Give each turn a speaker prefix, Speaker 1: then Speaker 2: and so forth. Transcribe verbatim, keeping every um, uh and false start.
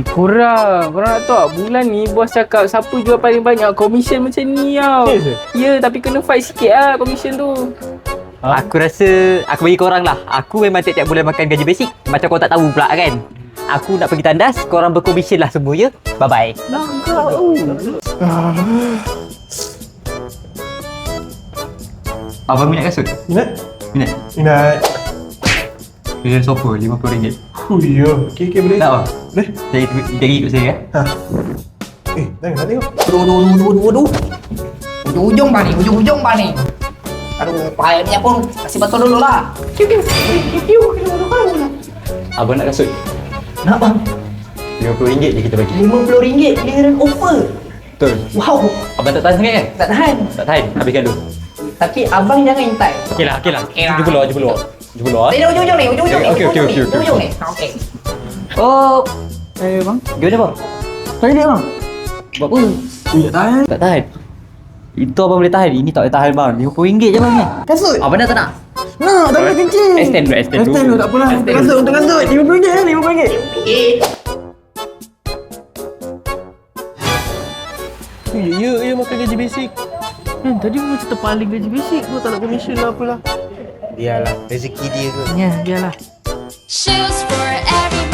Speaker 1: Eh, korang. Korang nak tahu tak? Bulan ni bos cakap siapa jual paling banyak komisen macam ni tau.
Speaker 2: Yes, sir?
Speaker 1: Ya, tapi kena fight sikit lah komisen tu.
Speaker 3: Ha? Aku rasa aku bagi korang lah. Aku memang tiap-tiap bulan makan gaji basic. Macam korang tak tahu pula kan. Aku nak pergi tandas, korang berkomisen lah semua ya. Bye-bye.
Speaker 1: Langkah tu.
Speaker 3: Abang minat kasut?
Speaker 2: Minat?
Speaker 3: Minat?
Speaker 2: Minat.
Speaker 3: Pilih sofa lima puluh ringgit.
Speaker 2: Oh ya. Okey, okey boleh.
Speaker 3: Tak apa?
Speaker 2: Boleh?
Speaker 3: Jadi jadi ikut saya ya.
Speaker 2: Ha. Eh, jangan nak tengok.
Speaker 4: Aduh, aduh, aduh, aduh, aduh, aduh. Ujung-ujung bang ni, ujung-ujung bang ni. Aduh, payah ni pun. Kasih betul dulu lah.
Speaker 3: Abang nak kasut?
Speaker 4: Nak bang?
Speaker 3: lima puluh ringgit je kita bagi.
Speaker 4: lima puluh ringgit clearance offer.
Speaker 3: Betul.
Speaker 4: Wow,
Speaker 3: Abang tak tahan sangat kan?
Speaker 4: tak tahan.
Speaker 3: Tak tahan. Habiskan dulu.
Speaker 4: Tapi abang jangan intai.
Speaker 3: Okeylah, okeylah.
Speaker 4: Okey lah.
Speaker 3: Jumpa luar, jumpa luar. Jumpa luar.
Speaker 4: Dari ujung-ujung ni, ujung-ujung ni.
Speaker 3: Okey, okey,
Speaker 4: ujung-ujung
Speaker 3: okey,
Speaker 4: ni,
Speaker 3: okey,
Speaker 4: Ujung ni. Okey.
Speaker 3: Oh,
Speaker 1: Eh, bang.
Speaker 3: gimana bang?
Speaker 1: Toilet bang.
Speaker 3: Buat apa?
Speaker 1: Ui, tak tahan.
Speaker 3: Tak tahan. Itu abang boleh tahan. Ini tak boleh tahan bang. lima puluh ringgit je bang ni.
Speaker 1: Kasut.
Speaker 3: Abang dah tak nak?
Speaker 1: Nak, tak boleh kencing.
Speaker 3: Extend dulu, extend dulu.
Speaker 1: Extend dulu, tak apalah. Untuk kasut, untuk kasut. lima puluh ringgit lah, lima puluh ringgit.
Speaker 4: Eh,
Speaker 2: Ya, ya, ya makan gaji basic.
Speaker 1: Hmm, tadi pun cerita paling gaji basic. Kau tak nak komisen lah apalah.
Speaker 2: Biarlah, rezeki dia ke.
Speaker 1: Ya, biarlah.
Speaker 5: Shoes for everybody.